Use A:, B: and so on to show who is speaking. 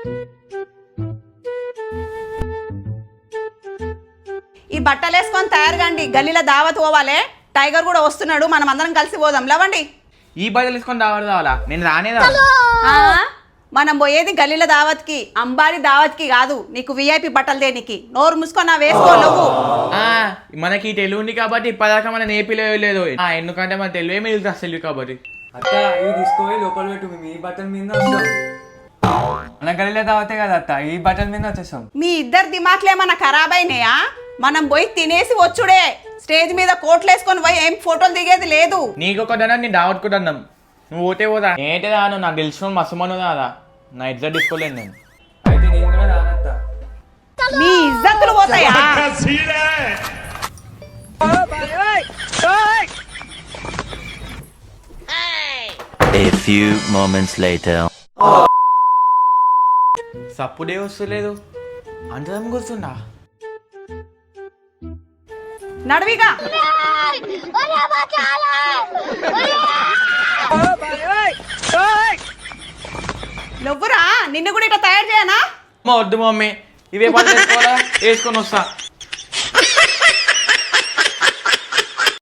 A: ఈ బట్టలు వేసుకొని తయారుగాండి, గల్లీలో దావత్ పోవాలే. టైగర్ కూడా వస్తున్నాడు, మనం అందరం కలిసి పోదాం. లేవండి.
B: ఈ బట్టలు తీసుకొని రావాలా? నేను రానేదా?
A: ఆ, మనం పోయేది గల్లీల దావత్కి, అంబారి దావత్కి కాదు. నీకు విఐపి బట్టలు దేనికి? నోరు మూసుకొని నా వేసుకో నువ్వు.
B: మనకి తెలుగు ఉంది కాబట్టి ఇప్పటిదాకా మన నేపిలో లేదు. ఎందుకంటే మన తెలుగు మిగులుతుంది అసలు కాబట్టి.
C: అత్త ఇవి తీసుకుపోయి లోపల పెట్టు, మేము ఈ బట్టల మీద వస్తాం. మన గల్లీలో తాగితే కదా అత్త, ఈ బట్టల మీద వచ్చేస్తాం.
A: మీ ఇద్దరు దిమాక్లేమన్నా ఖరాబ్ అయినాయా? మనం పోయి తినేసి వచ్చుడే. స్టేజ్ మీద కోట్లు వేసుకొని పోయి ఏం ఫోటోలు దిగేది లేదు.
B: నీకు ఒక దన్నా నేను దావట్టుకుంటున్నాం. నువ్వు పోతే పోదా? ఏంటి రాను, నాకు తెలిసిన మసమను రాదా? నా ఇద్దరు తీసుకోలేదు నేను.
C: అయితే నేను కూడా రానత్త.
A: మీ ఇజ్జత్తులు పోతాయా?
D: A few moments later.
B: సప్పుడే వస్తలేదు, అందరం కూర్చున్నా.
A: నడవిగా. నువ్వురా, నిన్ను కూడా ఇట్లా తయారు చేయనా?
B: వద్దు మమ్మీ, ఇవే పని వేసుకోవాలా? వేసుకొని వస్తా.